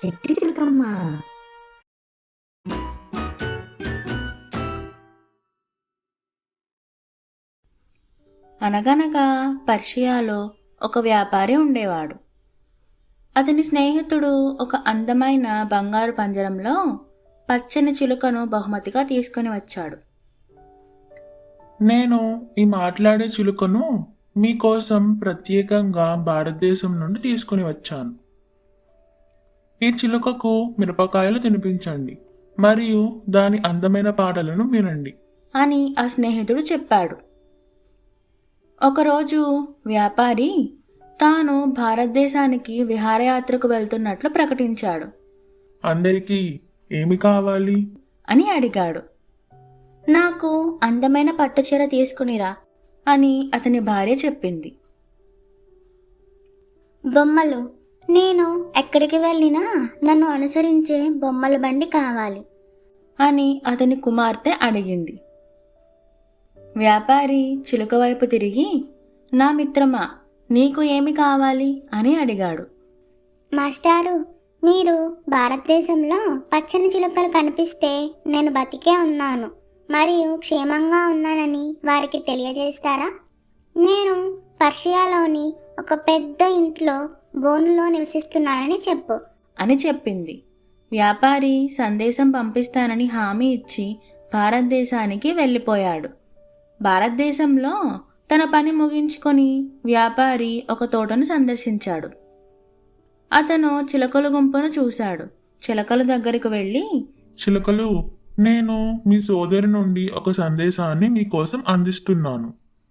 ఎట్టి చిలకమ్మ. అనగనగా పర్షియాలో ఒక వ్యాపారి ఉండేవాడు. అతని స్నేహితుడు ఒక అందమైన బంగారు పంజరంలో పచ్చని చిలుకను బహుమతిగా తీసుకుని వచ్చాడు. నేను ఈ మాట్లాడే చిలుకను మీకోసం ప్రత్యేకంగా భారతదేశం నుండి తీసుకుని వచ్చాను. ఈ చిలుకకు మిరపకాయలు తినిపించండి మరియు దాని అందమైన పాటలను వినండి అని ఆ స్నేహితుడు చెప్పాడు. ఒకరోజు వ్యాపారి తాను భారతదేశానికి విహారయాత్రకు వెళ్తున్నట్లు ప్రకటించాడు. అందరికీ ఏమి కావాలి అని అడిగాడు. నాకు అందమైన పట్టుచీర తీసుకునిరా అని అతని భార్య చెప్పింది. బొమ్మలు, నేను ఎక్కడికి వెళ్ళినా నన్ను అనుసరించే బొమ్మల బండి కావాలి అని అతని కుమార్తె అడిగింది. వ్యాపారి చిలుక వైపు తిరిగి, నా మిత్రమా, నీకు ఏమి కావాలి అని అడిగాడు. మాస్టారు, మీరు భారతదేశంలో పచ్చని చిలుకలు కనిపిస్తే నేను బతికే ఉన్నాను మరియు క్షేమంగా ఉన్నానని వారికి తెలియజేస్తారా? నేను పర్షియాలోని ఒక పెద్ద ఇంట్లో బోనులో నివసిస్తున్నానని చెప్పు అని చెప్పింది. వ్యాపారి సందేశం పంపిస్తానని హామీ ఇచ్చి భారతదేశానికి వెళ్ళిపోయాడు. భారతదేశంలో తన పని ముగించుకొని వ్యాపారి ఒక తోటను సందర్శించాడు. అతను చిలకల గుంపును చూశాడు. చిలకల దగ్గరకు వెళ్ళి, చిలుకలు, నేను మీ సోదరి నుండి ఒక సందేశాన్ని మీకోసం అందిస్తున్నాను.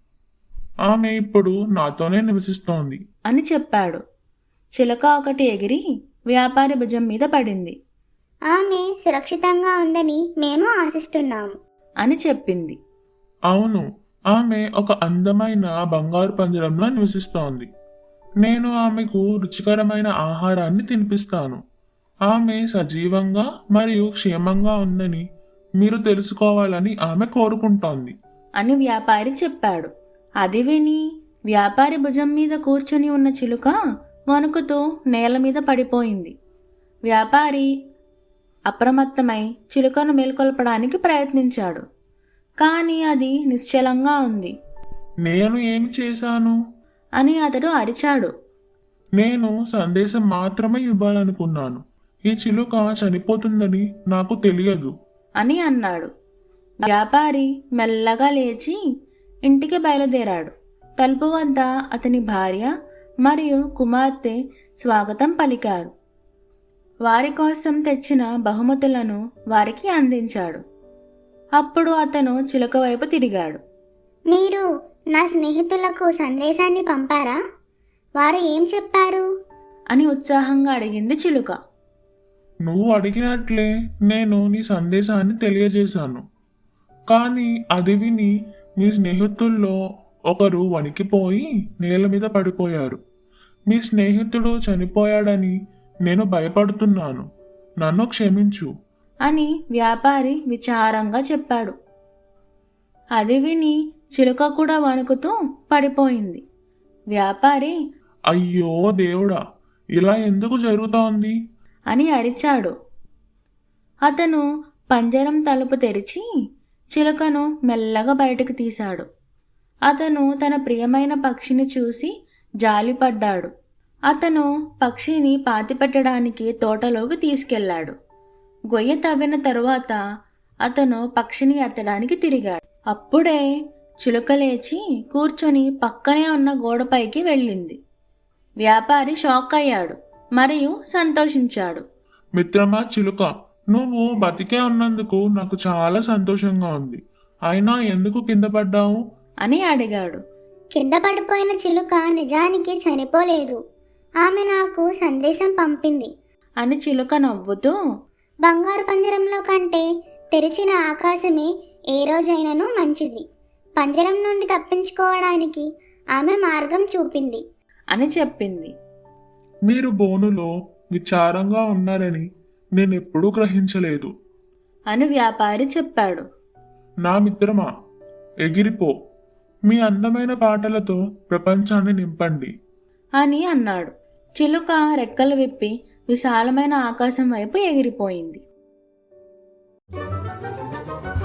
ఆమె ఇప్పుడు నాతోనే నివసిస్తోంది అని చెప్పాడు. చిలక ఒకటి ఎగిరి వ్యాపారి భుజం మీద పడింది. ఆమె సురక్షితంగా ఉందని మేము ఆశిస్తున్నాము అని చెప్పింది. అవును, ఆమె ఒక అందమైన బంగారు పంజరంలో నివసిస్తోంది. నేను ఆమెకు రుచికరమైన ఆహారాన్ని తినిపిస్తాను. ఆమె సజీవంగా మరియు క్షేమంగా ఉందని మీరు తెలుసుకోవాలని ఆమె కోరుకుంటోంది అని వ్యాపారి చెప్పాడు. అది విని వ్యాపారి భుజం మీద కూర్చొని ఉన్న చిలుక వణుకుతూ నేల మీద పడిపోయింది. వ్యాపారి అప్రమత్తమై చిలుకను మేల్కొల్పడానికి ప్రయత్నించాడు. కానీ అది నిశ్చలంగా ఉంది. నేను ఏమి చేశాను అని అతడు అరిచాడు. నేను సందేశం మాత్రమే ఇవ్వాలనుకున్నాను. ఈ చిలుక చనిపోతుందని నాకు తెలియదు అని అన్నాడు. వ్యాపారి మెల్లగా లేచి ఇంటికి బయలుదేరాడు. తలుపు వద్ద అతని భార్య మరియు కుమార్తె స్వాగతం పలికారు. వారి కోసం తెచ్చిన బహుమతులను వారికి అందించాడు. అప్పుడు అతను చిలుక వైపు తిరిగాడు. మీరు నా స్నేహితులకు సందేశాన్ని పంపారా? వారు ఏం చెప్పారు అని ఉత్సాహంగా అడిగింది చిలుక. నువ్వు అడిగినట్లే నేను నీ సందేశాన్ని తెలియజేశాను. కానీ అది విని మీ స్నేహితుల్లో ఒకరు వణికిపోయి నేల మీద పడిపోయారు. మీ స్నేహితుడు చనిపోయాడని నేను భయపడుతున్నాను. నన్ను క్షమించు అని వ్యాపారి విచారంగా చెప్పాడు. అది విని చిలుక కూడా వణుకుతూ పడిపోయింది. వ్యాపారి, అయ్యో దేవుడా, ఇలా ఎందుకు జరుగుతోంది అని అరిచాడు. అతను పంజరం తలుపు తెరిచి చిలుకను మెల్లగా బయటకు తీశాడు. అతను తన ప్రియమైన పక్షిని చూసి జాలిపడ్డాడు. అతను పక్షిని పాతిపెట్టడానికి తోటలోకి తీసుకెళ్లాడు. గొయ్య తవ్విన తరువాత అతను పక్షిని ఎత్తడానికి తిరిగాడు. అప్పుడే చిలుక లేచి కూర్చొని పక్కనే ఉన్న గోడపైకి వెళ్ళింది. వ్యాపారి షాక్ అయ్యాడు మరియు సంతోషించాడు. మిత్రమా చిలుక, నువ్వు బతికే ఉన్నందుకు నాకు చాలా సంతోషంగా ఉంది. అయినా ఎందుకు కింద పడ్డావు అని అడిగాడు. కింద పడిపోయిన చిలుక నిజానికి చనిపోలేదు. ఆమె నాకు సందేశం పంపింది అని చిలుక నవ్వుతూ, బంగారు పంజరంలో కంటే తెరిచిన ఆకాశమే ఏ రోజైనను మంచిది. పంజరం నుండి తప్పించుకోవడానికి ఆమె మార్గం చూపింది అని చెప్పింది. మీరు బోనులో విచారంగా ఉన్నారని నేనెప్పుడూ గ్రహించలేదు అని వ్యాపారి చెప్పాడు. నా మిత్రమా, ఎగిరిపో. మీ అందమైన పాటలతో ప్రపంచాన్ని నింపండి అని అన్నాడు. చిలుక రెక్కలు విప్పి విశాలమైన ఆకాశం వైపు ఎగిరిపోయింది.